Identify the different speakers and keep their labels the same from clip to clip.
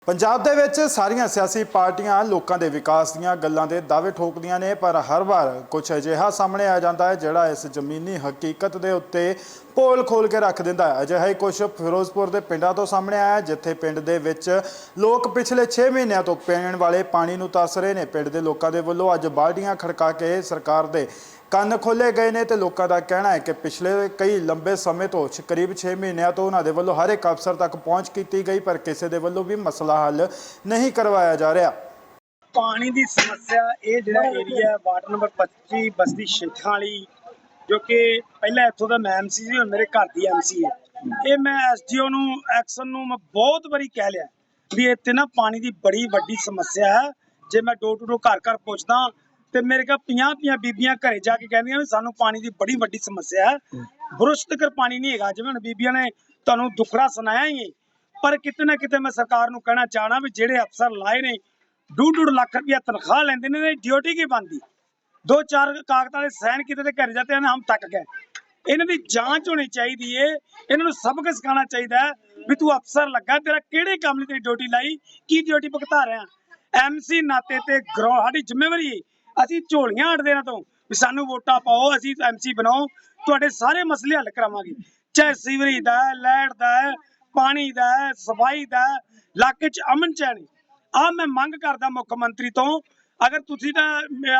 Speaker 1: ਪੰਜਾਬ ਦੇ ਵਿੱਚ ਸਾਰੀਆਂ ਸਿਆਸੀ ਪਾਰਟੀਆਂ ਲੋਕਾਂ ਦੇ ਵਿਕਾਸ ਦੀਆਂ ਗੱਲਾਂ ਦੇ ਦਾਅਵੇ ਠੋਕਦੀਆਂ ਨੇ, ਪਰ ਹਰ ਵਾਰ ਕੁਝ ਅਜਿਹਾ ਸਾਹਮਣੇ ਆ ਜਾਂਦਾ ਹੈ ਜਿਹੜਾ ਇਸ ਜ਼ਮੀਨੀ ਹਕੀਕਤ ਦੇ ਉੱਤੇ ਪੋਲ ਖੋਲ ਕੇ ਰੱਖ ਦਿੰਦਾ ਹੈ। ਅਜਿਹਾ ਹੀ ਕੁਝ ਫਿਰੋਜ਼ਪੁਰ ਦੇ ਪਿੰਡਾਂ ਤੋਂ ਸਾਹਮਣੇ ਆਇਆ, ਜਿੱਥੇ ਪਿੰਡ ਦੇ ਵਿੱਚ ਲੋਕ ਪਿਛਲੇ 6 ਮਹੀਨਿਆਂ ਤੋਂ ਪੀਣ ਵਾਲੇ ਪਾਣੀ ਨੂੰ ਤਰਸ ਰਹੇ ਨੇ। ਪਿੰਡ ਦੇ ਲੋਕਾਂ ਦੇ ਵੱਲੋਂ ਅੱਜ ਬਾਲਟੀਆਂ ਖੜਕਾ ਕੇ ਸਰਕਾਰ ਦੇ ਕੰਨ ਖੋਲੇ ਗਏ ਨੇ ਤੇ ਲੋਕਾਂ ਦਾ ਕਹਿਣਾ ਹੈ ਕਿ ਪਿਛਲੇ ਕਈ ਲੰਬੇ ਸਮੇਂ ਤੋਂ ਕਰੀਬ 6 ਮਹੀਨਿਆਂ ਤੋਂ ਉਹਨਾਂ ਦੇ ਵੱਲੋਂ ਹਰ ਇੱਕ ਅਫਸਰ ਤੱਕ ਪਹੁੰਚ ਕੀਤੀ ਗਈ, ਪਰ ਕਿਸੇ ਦੇ ਵੱਲੋਂ ਵੀ ਮਸਲਾ ਹੱਲ ਨਹੀਂ ਕਰਵਾਇਆ ਜਾ ਰਿਹਾ।
Speaker 2: ਪਾਣੀ ਦੀ ਸਮੱਸਿਆ ਇਹ ਜਿਹੜਾ area ward number 25 Basti Shekhan ਵਾਲੀ, ਜੋ ਕਿ ਪਹਿਲਾਂ ਇੱਥੋਂ ਦਾ ਮੈਂ ਐਮਸੀ ਸੀ, ਹੁਣ ਮੇਰੇ ਘਰ ਦੀ ਐਮਸੀ ਹੈ। ਇਹ ਮੈਂ ਐਸਡੀਓ ਨੂੰ ਐਕਸ਼ਨ ਨੂੰ ਮੈਂ ਬਹੁਤ ਵਾਰੀ ਕਹਿ ਲਿਆ ਵੀ ਇੱਥੇ ਨਾ ਪਾਣੀ ਦੀ ਬੜੀ ਵੱਡੀ ਸਮੱਸਿਆ ਹੈ। ਜੇ ਮੈਂ ਡੋਰ ਟੂ ਡੋਰ ਘਰ ਘਰ ਪੁੱਛਦਾ ਤੇ ਮੇਰੇ ਕੋਲ 50 ਬੀਬੀਆਂ ਘਰੇ ਜਾ ਕੇ ਕਹਿੰਦੀਆਂ ਵੀ ਸਾਨੂੰ ਪਾਣੀ ਦੀ ਬੜੀ ਵੱਡੀ ਸਮੱਸਿਆ ਹੈ, ਬੁਰਸ਼ ਤੱਕ ਪਾਣੀ ਨਹੀਂ ਹੈਗਾ। ਜਿਵੇਂ ਹੁਣ ਬੀਬੀਆਂ ਨੇ ਤੁਹਾਨੂੰ ਦੁੱਖੜਾ ਸੁਣਾਇਆ ਹੀ, ਪਰ ਕਿਤੇ ਨਾ ਕਿਤੇ ਮੈਂ ਸਰਕਾਰ ਨੂੰ ਕਹਿਣਾ ਚਾਹਣਾ ਵੀ ਜਿਹੜੇ ਅਫਸਰ ਲਾਏ ਨੇ 2.5 ਲੱਖ ਰੁਪया ਤਨਖਾਹ ਲੈਂਦੇ ਨੇ, ਡਿਊਟੀ ਕੀ ਬਣਦੀ? 2-4 ਕਾਗਜ਼ਾਂ ਦੇ ਸਾਈਨ ਕੀਤੇ ਤੇ ਘਰੇ ਜਾਂਦੇ ਹਨ, ਹਮ ਤੱਕ ਗਏ। ਇਹਨਾਂ ਦੀ ਜਾਂਚ ਹੋਣੀ ਚਾਹੀਦੀ ਏ, ਇਹਨਾਂ ਨੂੰ ਸਬਕ ਸਿਖਾਉਣਾ ਚਾਹੀਦਾ ਵੀ ਤੂੰ ਅਫਸਰ ਲੱਗਾ, ਤੇਰਾ ਕਿਹੜੇ ਕੰਮ ਲਈ ਤੇਰੀ ਡਿਊਟੀ ਲਾਈ, ਕੀ ਡਿਊਟੀ ਭੁਗਤਾ ਰਿਹਾ। ਐਮਸੀ ਨਾਤੇ ਤੇ ਸਾਡੀ ਜ਼ਿੰਮੇਵਾਰੀ, ਅਸੀਂ ਝੋਲੀਆਂ ਅੜਦੇ ਨਾ ਤੋਂ ਵੀ ਸਾਨੂੰ ਵੋਟਾਂ ਪਾਓ, ਅਸੀਂ ਐਮਸੀ ਬਣਾਓ, ਤੁਹਾਡੇ ਸਾਰੇ ਮਸਲੇ ਹੱਲ ਕਰਾਵਾਂਗੇ, ਚਾਹੇ ਸੀਵਰੇਜ ਦਾ, ਲਾਈਟ ਦਾ, ਪਾਣੀ ਦਾ, ਸਫਾਈ ਦਾ, ਇਲਾਕੇ 'ਚ ਅਮਨ ਚੈਨ। ਆ ਮੈਂ ਮੰਗ ਕਰਦਾ ਮੁੱਖ ਮੰਤਰੀ ਤੋਂ, ਅਗਰ ਤੁਸੀਂ ਤਾਂ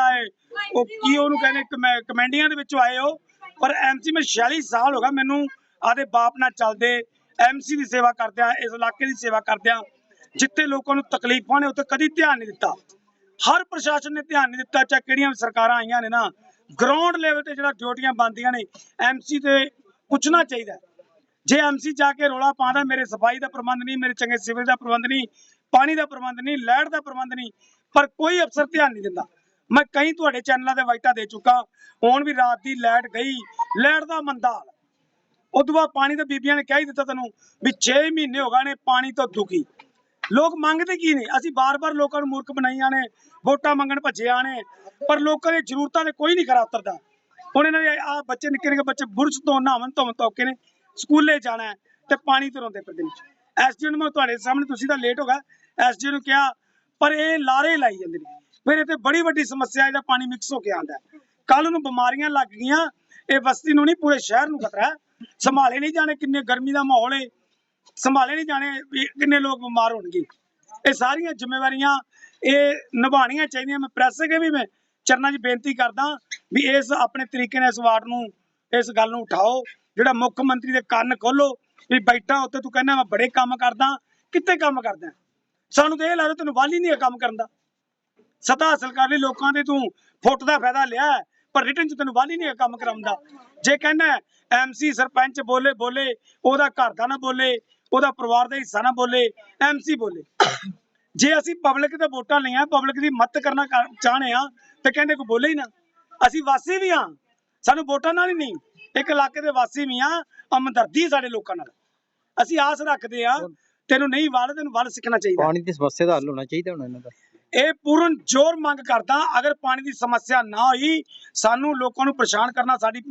Speaker 2: ਉਹ ਕੀ ਉਹਨੂੰ ਕਹਿੰਦੇ ਕਮੈਂਡੀਆਂ ਦੇ ਵਿੱਚੋਂ ਆਏ ਹੋ, ਪਰ ਐਮਸੀ ਮੈਂ 46 ਸਾਲ ਹੋ ਗਿਆ ਮੈਨੂੰ ਆਦੇ ਬਾਪ ਨਾਲ ਚੱਲਦੇ, ਐਮਸੀ ਦੀ ਸੇਵਾ ਕਰਦਿਆਂ, ਇਸ ਇਲਾਕੇ ਦੀ ਸੇਵਾ ਕਰਦਿਆਂ, ਜਿੱਥੇ ਲੋਕਾਂ ਨੂੰ ਤਕਲੀਫਾਂ ਨੇ ਉੱਥੇ ਕਦੀ ਧਿਆਨ ਨਹੀਂ ਦਿੱਤਾ। ਹਰ ਪ੍ਰਸ਼ਾਸਨ ਨੇ ਧਿਆਨ ਨਹੀਂ ਦਿੱਤਾ, ਚਾਹੇ ਕਿਹੜੀਆਂ ਵੀ ਸਰਕਾਰਾਂ ਆਈਆਂ ਨੇ ਨਾ। ਗਰਾਊਂਡ ਲੈਵਲ ਤੇ ਜਿਹੜਾ ਡਿਊਟੀਆਂ ਬਣਦੀਆਂ ਨੇ ਐਮਸੀ ਤੇ ਪੁੱਛਣਾ ਚਾਹੀਦਾ। ਜੇ ਐਮਸੀ ਜਾ ਕੇ ਰੌਲਾ ਪਾਉਂਦਾ ਮੇਰੇ ਸਫਾਈ ਦਾ ਪ੍ਰਬੰਧ ਨਹੀਂ, ਮੇਰੇ ਚੰਗੇ ਸਿਵਲ ਦਾ ਪ੍ਰਬੰਧ ਨਹੀਂ, ਪਾਣੀ ਦਾ ਪ੍ਰਬੰਧ ਨਹੀਂ, ਲਾਈਟ ਦਾ ਪ੍ਰਬੰਧ ਨਹੀਂ, ਪਰ ਕੋਈ ਅਫਸਰ ਧਿਆਨ ਨਹੀਂ ਦਿੰਦਾ। ਮੈਂ ਕਈ ਤੁਹਾਡੇ ਚੈਨਲਾਂ ਤੇ ਵਾਈਟਾਂ ਦੇ ਚੁੱਕਾ, ਹੁਣ ਵੀ ਰਾਤ ਦੀ ਲਾਈਟ ਗਈ, ਲਾਈਟ ਦਾ ਮੰਦਾ ਹਾਲ। ਉਦੋਂ ਬਾਅਦ ਪਾਣੀ ਤਾਂ ਬੀਬੀਆਂ ਨੇ ਕਹਿ ਹੀ ਦਿੱਤਾ ਤੈਨੂੰ ਵੀ 6 ਮਹੀਨੇ ਹੋ ਗਏ ਨੇ ਪਾਣੀ ਤੋਂ ਦੁਖੀ। ਲੋਕ ਮੰਗਦੇ ਕੀ ਨੇ? ਅਸੀਂ ਬਾਰ-ਬਾਰ ਲੋਕਾਂ ਨੂੰ ਮੂਰਖ ਬਣਾਈਆਂ ਨੇ, ਵੋਟਾਂ ਮੰਗਣ ਭੱਜਿਆ ਨੇ, ਪਰ ਲੋਕਾਂ ਦੀਆਂ ਜ਼ਰੂਰਤਾਂ ਤੇ ਕੋਈ ਨਹੀਂ ਖਰਾ ਉਤਰਦਾ। ਹੁਣ ਇਹਨਾਂ ਦੇ ਆ ਬੱਚੇ ਨਿੱਕੇ ਨਿੱਕੇ ਬੱਚੇ ਬੁਰਸ਼ ਤੋਂ ਨਹਾਵਣ ਧੋਕੇ ਨੇ, ਸਕੂਲੇ ਜਾਣਾ ਤੇ ਪਾਣੀ ਤੋਂ ਰੋਂਦੇ ਫਿਰਦੇ ਨੇ। ਐਸਡੀਓ ਨੂੰ ਮੈਂ ਤੁਹਾਡੇ ਸਾਹਮਣੇ, ਤੁਸੀਂ ਤਾਂ ਲੇਟ ਹੋ ਗਏ, ਐਸਡੀਓ ਨੂੰ ਕਿਹਾ, ਪਰ ਇਹ ਲਾਰੇ ਲਾਈ ਜਾਂਦੇ ਨੇ। ਫਿਰ ਇੱਥੇ ਬੜੀ ਵੱਡੀ ਸਮੱਸਿਆ, ਇਹਦਾ ਪਾਣੀ ਮਿਕਸ ਹੋ ਕੇ ਆਉਂਦਾ। ਕੱਲ ਨੂੰ ਬਿਮਾਰੀਆਂ ਲੱਗ ਗਈਆਂ, ਇਹ ਬਸਤੀ ਨੂੰ ਨਹੀਂ ਪੂਰੇ ਸ਼ਹਿਰ ਨੂੰ ਖਤਰਾ ਹੈ। ਸੰਭਾਲੇ ਨਹੀਂ ਜਾਣੇ, ਕਿੰਨੇ ਗਰਮੀ ਦਾ ਮਾਹੌਲ ਹੈ, ਸੰਭਾਲੇ ਨਹੀਂ ਜਾਣੇ ਕਿੰਨੇ ਲੋਕ ਬਿਮਾਰ ਹੋਣਗੇ। ਇਹ ਸਾਰੀਆਂ ਜ਼ਿੰਮੇਵਾਰੀਆਂ ਇਹ ਨਿਭਾਉਣੀਆਂ ਚਾਹੀਦੀਆਂ। ਮੈਂ ਪ੍ਰੈਸ ਅੱਗੇ ਵੀ ਮੈਂ ਚਰਨਾਂ 'ਚ ਬੇਨਤੀ ਕਰਦਾ ਵੀ ਇਸ ਆਪਣੇ ਤਰੀਕੇ ਨਾਲ ਇਸ ਵਾਰਡ ਨੂੰ, ਇਸ ਗੱਲ ਨੂੰ ਉਠਾਓ, ਜਿਹੜਾ ਮੁੱਖ ਮੰਤਰੀ ਦੇ ਕੰਨ ਖੋਲੋ ਵੀ ਬੈਠਾ ਉੱਤੇ ਤੂੰ ਕਹਿੰਦਾ ਮੈਂ ਬੜੇ ਕੰਮ ਕਰਦਾ, ਕਿੱਥੇ ਕੰਮ ਕਰਦਾ? ਸਾਨੂੰ ਤਾਂ ਇਹ ਲੱਗਦਾ ਤੈਨੂੰ ਵਾਲੀ ਨਹੀਂ ਹੈ ਕੰਮ ਕਰਨ ਦਾ। ਸਤਾ ਹਾਸਲ ਕਰ ਲਈ ਲੋਕਾਂ ਦੇ, ਤੂੰ ਫੁੱਟ ਦਾ ਫਾਇਦਾ ਲਿਆ, ਪਰ ਰਿਟਰਨ 'ਚ ਤੈਨੂੰ ਵਾਲੀ ਨਹੀਂ ਹੈ ਕੰਮ ਕਰਾਉਣ ਦਾ। ਜੇ ਕਹਿੰਦਾ ਐਮਸੀ ਸਰਪੰਚ ਬੋਲੇ, ਉਹਦਾ ਘਰ ਦਾ ਨਾ ਬੋਲੇ, ਉਹਦਾ ਪਰਿਵਾਰ ਦਾ ਹਿੱਸਾ ਨਾ ਬੋਲੇ, ਐਮਸੀ ਬੋਲੇ। ਜੇ ਅਸੀਂ ਪਬਲਿਕ ਤੇ ਵੋਟਾਂ ਲਈਆਂ, ਪਬਲਿਕ ਦੀ ਮਦਦ ਕਰਨਾ ਚਾਹਣੇ ਆ, ਤੇ ਕਹਿੰਦੇ ਕੋਈ ਬੋਲੇ ਹੀ ਨਾ। ਅਸੀਂ ਵਾਸੀ ਵੀ ਹਾਂ, ਸਾਨੂੰ ਵੋਟਾਂ ਨਾਲ ਹੀ ਨਹੀਂ, ਇੱਕ ਇਲਾਕੇ ਦੇ ਵਾਸੀ ਵੀ ਹਾਂ, ਹਮਦਰਦੀ ਸਾਡੇ ਲੋਕਾਂ ਨਾਲ। ਅਸੀਂ ਆਸ ਰੱਖਦੇ ਆ ਤੈਨੂੰ ਨਹੀਂ ਵੱਲ, ਤੈਨੂੰ ਵੱਲ ਸਿੱਖਣਾ ਚਾਹੀਦਾ।
Speaker 3: ਪਾਣੀ ਦੀ ਸਮੱਸਿਆ ਦਾ ਹੱਲ ਹੋਣਾ ਚਾਹੀਦਾ ਹੁਣ ਇਹਨਾਂ ਦਾ।
Speaker 2: ਇਹ ਪੂਰਨ ਜ਼ੋਰ ਮੰਗ ਕਰਦਾ, ਅਗਰ ਪਾਣੀ ਦੀ ਸਮੱਸਿਆ ਨਾ ਹੋਈ, ਸਾਨੂੰ ਲੋਕਾਂ ਨੂੰ ਪਰੇਸ਼ਾਨ ਕਰਨਾ ਸਾਡੀ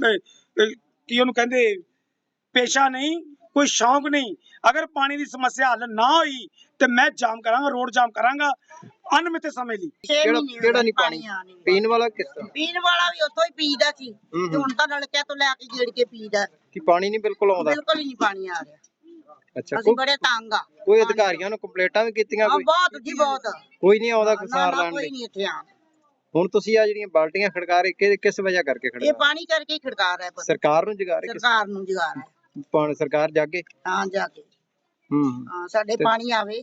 Speaker 2: ਕੀ ਉਹਨੂੰ ਕਹਿੰਦੇ ਪੇਸ਼ਾ ਨਹੀਂ, ਕੋਈ ਸ਼ੌਂਕ ਨਹੀਂ। ਅਗਰ ਪਾਣੀ ਦੀ ਸਮੱਸਿਆ ਹੱਲ ਨਾ ਹੋਈ ਤੇ ਮੈਂ ਜਾਮ ਕਰਾਂਗਾ, ਰੋਡ ਜਾਮ ਕਰਾਂਗਾ ਅਨਮਿੱਥੇ ਸਮੇਂ ਲਈ।
Speaker 3: ਕਿਹੜਾ ਨਹੀਂ ਪਾਣੀ ਪੀਣ ਵਾਲਾ? ਕਿਸ ਤਰ੍ਹਾਂ
Speaker 4: ਪੀਣ ਵਾਲਾ ਵੀ ਉੱਥੋਂ ਹੀ ਪੀਦਾ ਸੀ, ਤੇ ਹੁਣ ਤਾਂ ਨਲਕਿਆਂ ਤੋਂ ਲੈ ਕੇ ਗੇੜ ਕੇ ਪੀਦਾ।
Speaker 3: ਕਿ ਪਾਣੀ ਨਹੀਂ ਬਿਲਕੁਲ ਆਉਂਦਾ?
Speaker 4: ਬਿਲਕੁਲ ਹੀ ਨਹੀਂ ਪਾਣੀ ਆ ਰਿਹਾ।
Speaker 3: ਅੱਛਾ,
Speaker 4: ਅਸੀਂ ਬੜੇ ਤੰਗ ਆ।
Speaker 3: ਕੋਈ ਅਧਿਕਾਰੀਆਂ ਨੂੰ ਕੰਪਲੇਂਟਾਂ ਵੀ ਕੀਤੀਆਂ?
Speaker 4: ਬਹੁਤ ਜੀ ਬਹੁਤ।
Speaker 3: ਕੋਈ ਨਹੀਂ ਆਉਂਦਾ ਕਿਸਾਨ ਲੈਣ
Speaker 4: ਕੋਈ
Speaker 3: ਲਈ?
Speaker 4: ਨਹੀਂ ਇੱਥੇ ਆ।
Speaker 3: ਹੁਣ ਤੁਸੀਂ ਆ ਜਿਹੜੀਆਂ ਬਾਲਟੀਆਂ ਖੜਕਾ ਰਹੇ, ਕਿਸ ਵਜ੍ਹਾ ਕਰਕੇ ਖੜਕਾ?
Speaker 4: ਇਹ ਪਾਣੀ ਕਰਕੇ ਹੀ ਖੜਕਾ ਰਿਹਾ।
Speaker 3: ਸਰਕਾਰ ਨੂੰ ਜਗਾ ਰਹੇ?
Speaker 4: ਸਰਕਾਰ ਨੂੰ ਜਗਾ ਰਿਹਾ।
Speaker 3: ਸਰਕਾਰ ਜਾਗੇ?
Speaker 4: ਹਾਂ ਜਾ ਕੇ, ਹਾਂ ਸਾਡੇ ਪਾਣੀ ਆਵੇ।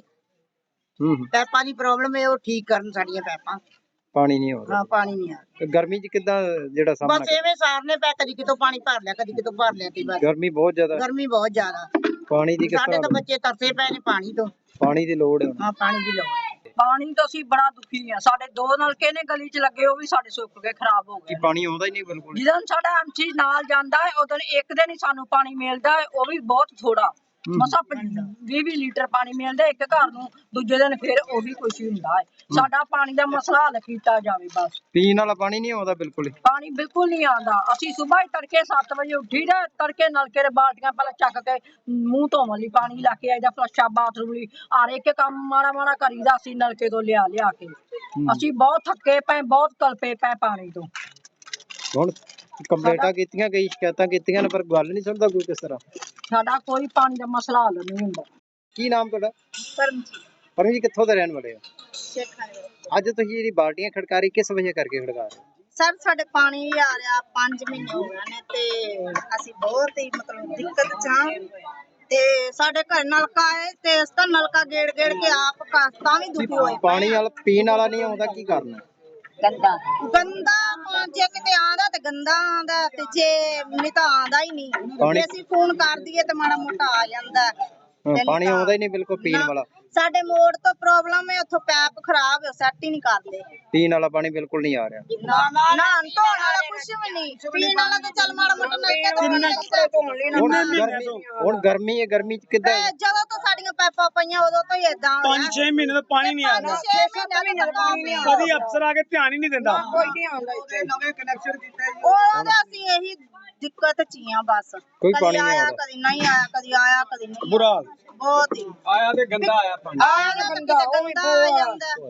Speaker 4: ਪੈਪਾਂ ਦੀ ਪ੍ਰੋਬਲਮ ਹੈ, ਉਹ ਠੀਕ ਕਰਨ ਸਾਡੀਆਂ ਪੈਪਾਂ।
Speaker 3: ਪਾਣੀ ਨਹੀਂ ਆਉਂਦਾ?
Speaker 4: ਹਾਂ ਪਾਣੀ ਨਹੀਂ ਆ।
Speaker 3: ਗਰਮੀ 'ਚ ਕਿੱਦਾਂ ਜਿਹੜਾ ਸਾਹਮਣਾ?
Speaker 4: ਬਸ ਐਵੇਂ ਸਾਰਨੇ ਪੈ, ਕਦੀ ਕਿਤੋਂ ਪਾਣੀ ਭਰ ਲਿਆ, ਕਦੀ ਕਿਤੋਂ ਭਰ ਲਿਆ। ਤੇ ਬਸ
Speaker 3: ਗਰਮੀ ਬਹੁਤ ਜ਼ਿਆਦਾ।
Speaker 4: ਗਰਮੀ ਬਹੁਤ ਜ਼ਿਆਦਾ।
Speaker 3: ਪਾਣੀ ਦੀ ਕਿਸ
Speaker 4: ਸਾਡੇ
Speaker 3: ਤਰ੍ਹਾਂ?
Speaker 4: ਤਾਂ ਬੱਚੇ ਤਰਸੇ ਪਏ ਨੇ ਪਾਣੀ ਤੋਂ।
Speaker 3: ਪਾਣੀ ਦੀ ਲੋੜ ਹੈ।
Speaker 4: ਹਾਂ ਪਾਣੀ ਦੀ ਲੋੜ ਹੈ।
Speaker 5: ਪਾਣੀ ਤੋਂ ਅਸੀਂ ਬੜਾ ਦੁਖੀ ਆ। ਸਾਡੇ 2 ਨਲਕੇ ਨੇ ਗਲੀ 'ਚ ਲੱਗੇ, ਉਹ ਵੀ ਸਾਡੇ ਸੁੱਕ ਕੇ ਖਰਾਬ ਹੋ ਗਏ।
Speaker 3: ਕਿ ਪਾਣੀ ਆਉਂਦਾ ਹੀ ਨਹੀਂ ਬਿਲਕੁਲ?
Speaker 5: ਜਦੋਂ ਸਾਡਾ ਐਮਸੀ ਨਾਲ ਜਾਂਦਾ ਹੈ, ਉਦੋਂ ਇੱਕ ਦਿਨ ਹੀ ਸਾਨੂੰ ਪਾਣੀ ਮਿਲਦਾ ਹੈ, ਉਹ ਵੀ ਬਹੁਤ ਥੋੜਾ। ਮਸਾ 20 ਲੀਟਰ ਪਾਣੀ ਮਿਲਦਾ ਇੱਕ ਘਰ ਨੂੰ, ਦੂਜੇ ਦਿਨ ਫਿਰ ਉਹੀ ਕੁਛ ਹੀ ਹੁੰਦਾ ਹੈ। ਸਾਡਾ ਪਾਣੀ ਦਾ ਮਸਲਾ ਹੱਲ ਕੀਤਾ ਜਾਵੇ ਬਸ।
Speaker 3: ਪੀਣ ਵਾਲਾ ਪਾਣੀ ਨਹੀਂ ਆਉਂਦਾ ਬਿਲਕੁਲ ਹੀ?
Speaker 5: ਪਾਣੀ ਬਿਲਕੁਲ ਨਹੀਂ ਆਉਂਦਾ। ਅਸੀਂ ਸਵੇਰ ਹੀ ਤੜਕੇ 7 ਵਜੇ ਉੱਠੀ ਦਾ, ਤੜਕੇ ਨਲਕੇ ਦੇ ਬਾਲਟੀਆਂ ਪਹਿਲਾਂ ਚੱਕ ਕੇ ਮੂੰਹ ਧੋਣ ਲਈ ਪਾਣੀ ਲਾ ਕੇ ਆਈਦਾ, ਫਲਸ਼ਾ ਬਾਥਰੂਮ ਲਈ ਹਰ ਇੱਕ ਕੰਮ ਮਾੜਾ ਮਾੜਾ ਕਰੀਦਾ ਅਸੀਂ ਨਲਕੇ ਤੋਂ ਲਿਆ ਕੇ। ਅਸੀਂ ਬਹੁਤ ਥੱਕੇ ਪਏ, ਬਹੁਤ ਕਲਪੇ ਪਏ ਪਾਣੀ ਤੋਂ।
Speaker 3: ਹੁਣ ਕੰਪਲੇਂਟਾਂ ਕੀਤੀਆਂ, ਕਈ ਸ਼ਿਕਾਇਤਾਂ ਕੀਤੀਆਂ ਨੇ, ਪਰ ਗੱਲ ਨਹੀਂ ਸੁਣਦਾ ਕੋਈ ਕਿਸ ਤਰ੍ਹਾਂ।
Speaker 5: ਸਾਡਾ ਕੋਈ ਪਾਣੀ ਦਾ ਮਸਲਾ ਹੱਲ ਨਹੀਂ ਹੁੰਦਾ।
Speaker 3: ਕੀ ਨਾਮ ਤੁਹਾਡਾ?
Speaker 4: ਪਰਮਜੀਤ
Speaker 3: ਪਰਮਜੀਤ, ਕਿੱਥੋਂ ਦੇ ਰਹਿਣ ਵਾਲੇ ਹੋ?
Speaker 4: ਸ਼ੇਖਾਂ ਦੇ।
Speaker 3: ਅੱਜ ਤੁਸੀਂ ਜਿਹੜੀ ਬਾਲਟੀਆਂ ਖੜਕਾ ਰਹੀ, ਕਿਸ ਵਜ੍ਹਾ ਕਰਕੇ ਖੜਕਾ ਰਹੇ ਹੋ?
Speaker 4: ਸਰ ਸਾਡੇ ਪਾਣੀ ਆ ਰਿਹਾ 5 ਮਹੀਨੇ ਹੋ ਗਏ ਨੇ ਤੇ ਅਸੀਂ ਬਹੁਤ ਹੀ ਮਤਲਬ ਦਿੱਕਤ ਚ ਹਾਂ ਤੇ ਸਾਡੇ ਘਰ ਨਲਕਾ ਹੈ ਤੇ ਇਸ ਦਾ ਨਲਕਾ ਗੇੜ ਕੇ ਆਪ ਤਾਂ ਵੀ ਦੁਖੀ ਹੋਏ
Speaker 3: ਪਾਣੀ ਵਾਲਾ ਪੀਣ ਵਾਲਾ ਨਹੀਂ ਆਉਂਦਾ, ਕੀ ਕਰਨਾ?
Speaker 4: ਗੰਦਾ ਜੇ ਕਿਤੇ ਆਂਦਾ ਤੇ ਗੰਦਾ ਆਂਦਾ ਤੇ ਜੇ ਨਹੀਂ ਤਾਂ ਆਂਦਾ ਹੀ ਨਹੀਂ। ਜੇ ਅਸੀਂ ਫੋਨ ਕਰ ਦਈਏ ਤੇ ਮਾੜਾ ਮੋਟਾ ਆ ਜਾਂਦਾ।
Speaker 3: ਪਾਣੀ ਆਉਂਦਾ ਹੀ ਨਹੀਂ ਬਿਲਕੁਲ ਪੀਣ ਵਾਲਾ।
Speaker 4: ਸਾਡੇ ਮੋੜ ਤੋਂ ਪ੍ਰੋਬਲਮ ਹੈ, ਉੱਥੋਂ ਪੈਪ ਖਰਾਬ ਹੈ, ਸੈੱਟ ਹੀ ਨਹੀਂ ਕਰਦੇ।
Speaker 3: ਪੀਣ ਵਾਲਾ ਪਾਣੀ ਬਿਲਕੁਲ ਨਹੀਂ ਆ ਰਿਹਾ।
Speaker 4: ਨਾ ਧੋਣ ਵਾਲਾ ਕੁਛ ਵੀ ਨਹੀਂ, ਪੀਣ ਵਾਲਾ ਤੇ ਚੱਲ ਮਾੜਾ ਮੋਟਾ ਨਲਕੇ ਤੋਂ
Speaker 3: ਹੁਣ ਗਰਮੀ ਹੈ, ਗਰਮੀ ਚ ਕਿੱਦਾਂ?
Speaker 4: ਜਦੋਂ ਤੋਂ ਸਾਡੀਆਂ ਪੈਪਾਂ ਪਈਆਂ ਉਦੋਂ ਤੋਂ ਹੀ ਏਦਾਂ
Speaker 2: 5-6 ਮਹੀਨੇ ਤੋਂ ਪਾਣੀ ਨਹੀਂ ਆ ਰਿਹਾ।
Speaker 4: 6 ਮਹੀਨੇ ਤੋਂ ਪਾਣੀ ਨਹੀਂ
Speaker 2: ਕਦੀ ਅਫਸਰ ਆ ਕੇ ਧਿਆਨ ਹੀ ਨਹੀਂ ਦਿੰਦਾ।
Speaker 5: ਕੋਈ ਨਹੀਂ ਆਉਂਦਾ ਇੱਥੇ।
Speaker 2: ਨਵੇਂ ਕਨੈਕਸ਼ਨ ਦਿੱਤੇ
Speaker 4: ਉਹਦਾ ਅਸੀਂ ਇਹੀ ਦਿੱਕਤ ਚ ਹੀ ਆ ਬਸ।
Speaker 3: ਕੋਈ
Speaker 4: ਕਦੀ
Speaker 3: ਪਾਣੀ ਨਹੀਂ
Speaker 4: ਆਇਆ
Speaker 3: ਆਉਂਦਾ।
Speaker 4: ਕਦੀ ਨਹੀਂ ਆਇਆ, ਕਦੀ ਆਇਆ ਕਦੀ ਨਹੀਂ।
Speaker 2: ਬੁਰਾ ਹਾਲ।
Speaker 4: ਬਹੁਤ ਹੀ
Speaker 2: ਆਇਆ ਤੇ ਗੰਦਾ ਆਇਆ ਪਾਣੀ।
Speaker 4: ਆਇਆ ਤੇ ਗੰਦਾ ਆ ਜਾਂਦਾ।